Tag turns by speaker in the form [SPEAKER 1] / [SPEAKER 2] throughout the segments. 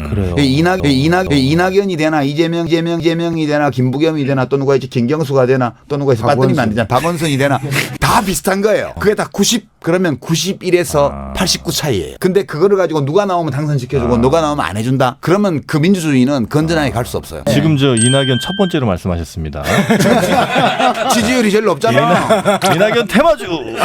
[SPEAKER 1] 그래요.
[SPEAKER 2] 이낙연이 되나 이재명이 되나 김부겸이 되나 또 누가 있지 김경수가 되나 또 누가 있어 빠뜨리면 안 되잖아. 박원순이 되나 다 비슷한 거예요. 그게 다 90 그러면 91에서 89 차이예요. 근데 그거를 가지고 누가 나오면 당선시켜주고 누가 나오면 안 해준다. 그러면 그 민주주의는 건전하게 갈 수 없어요.
[SPEAKER 3] 지금 저 이낙연 첫 번째로 말씀하셨습니다.
[SPEAKER 2] 지지율이 제일 높잖아.
[SPEAKER 3] 이낙연 테마주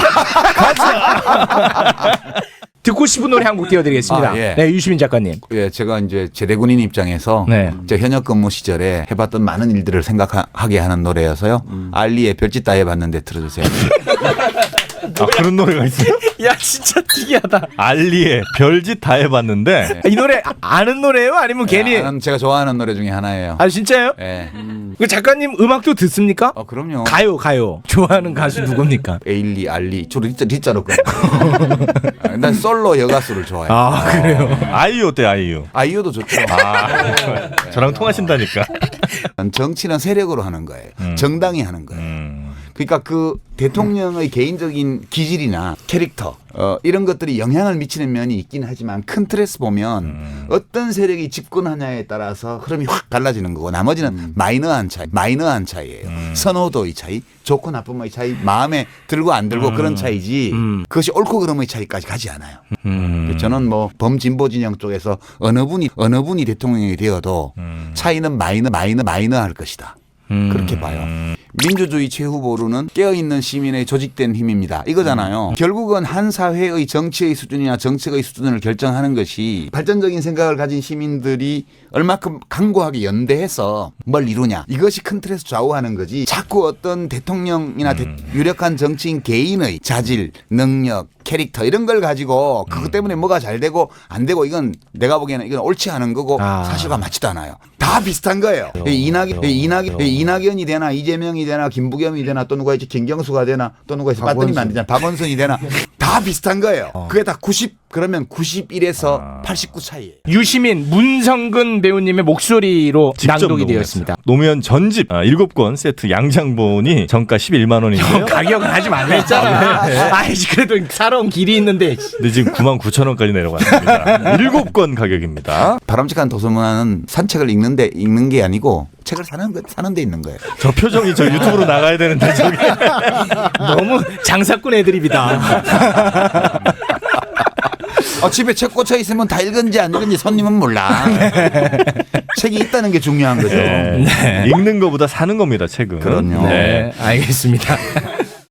[SPEAKER 3] 가자.
[SPEAKER 1] 듣고 싶은 노래 한 곡 띄워드리겠습니다.
[SPEAKER 2] 예.
[SPEAKER 1] 네, 유시민 작가님.
[SPEAKER 2] 예, 제가 이제 제대군인 입장에서
[SPEAKER 1] 네.
[SPEAKER 2] 제 현역 근무 시절에 해봤던 많은 일들을 생각하게 하는 노래여서요. 알리의 별짓 다 해봤는데 들어주세요.
[SPEAKER 3] 아, 그런 노래가 있어요?
[SPEAKER 1] 야, 진짜 특이하다.
[SPEAKER 3] 알리의 별짓 다 해봤는데.
[SPEAKER 1] 이 노래 아는 노래예요? 아니면 괜히?
[SPEAKER 2] 제가 좋아하는 노래 중에 하나예요.
[SPEAKER 1] 아, 진짜요?
[SPEAKER 2] 예.
[SPEAKER 1] 그 작가님 음악도 듣습니까?
[SPEAKER 2] 그럼요.
[SPEAKER 1] 가요. 좋아하는 가수 누굽니까?
[SPEAKER 2] 에일리, 알리, 주로 리자로 끊. 난 솔로 여가수를 좋아해요.
[SPEAKER 1] 아, 그래요?
[SPEAKER 3] 아이유 어때 아이유?
[SPEAKER 2] 아이유도 좋죠.
[SPEAKER 3] 저랑 통하신다니까.
[SPEAKER 2] 정치는 세력으로 하는 거예요. 정당이 하는 거예요. 그러니까 그 대통령의 개인적인 기질이나 캐릭터 이런 것들이 영향을 미치는 면이 있긴 하지만 큰 틀에서 보면 어떤 세력이 집권하냐에 따라서 흐름이 확 달라지는 거고 나머지는 마이너한 차이예요. 선호도의 차이, 좋고 나쁨의 차이, 마음에 들고 안 들고 그런 차이지 그것이 옳고 그름의 차이까지 가지 않아요. 저는 뭐 범진보 진영 쪽에서 어느 분이 대통령이 되어도 차이는 마이너할 것이다. 그렇게 봐요. 민주주의 최후보로는 깨어있는 시민의 조직된 힘입니다. 이거잖아요. 결국은 한 사회의 정치의 수준이나 정책의 수준을 결정하는 것이 발전적인 생각을 가진 시민들이 얼마큼 강고하게 연대해서 뭘 이루냐. 이것이 큰 틀에서 좌우하는 거지. 자꾸 어떤 대통령이나 유력한 정치인 개인의 자질, 능력, 캐릭터 이런 걸 가지고 그것 때문에 뭐가 잘 되고 안 되고 이건 내가 보기에는 이건 옳지 않은 거고 사실과 맞지도 않아요. 다 비슷한 거예요. 이낙연이 되나 이재명이 되나 김부겸이 되나 또 누가 있지 김경수가 되나 또 누가 있어 빠뜨리면 안 되잖아. 박원순이 되나 다 비슷한 거예요. 그게 다 90 그러면 91에서 89 차이예요.
[SPEAKER 1] 유시민, 문성근 배우님의 목소리로 낭독이 되었습니다.
[SPEAKER 3] 노무현 전집 7권 세트 양장본이 정가 11만 원인데요.
[SPEAKER 1] 가격은 하지 말랬잖아. 아이씨, 그래도 살아온 길이 있는데.
[SPEAKER 3] 근데 지금 99,000원까지 내려갔습니다. 7권 가격입니다.
[SPEAKER 2] 바람직한 도서문화는 산책을 읽는 게 아니고 책을 사는 데 있는 거예요.
[SPEAKER 3] 저 표정이 저 유튜브로 나가야 되는데 저기
[SPEAKER 1] 너무 장사꾼 애드립이다.
[SPEAKER 2] 집에 책 꽂혀 있으면 다 읽은지 안 읽은지 손님은 몰라. 책이 있다는 게 중요한 거죠.
[SPEAKER 3] 읽는 것보다 사는 겁니다, 책은.
[SPEAKER 2] 그럼요.
[SPEAKER 1] 네, 알겠습니다.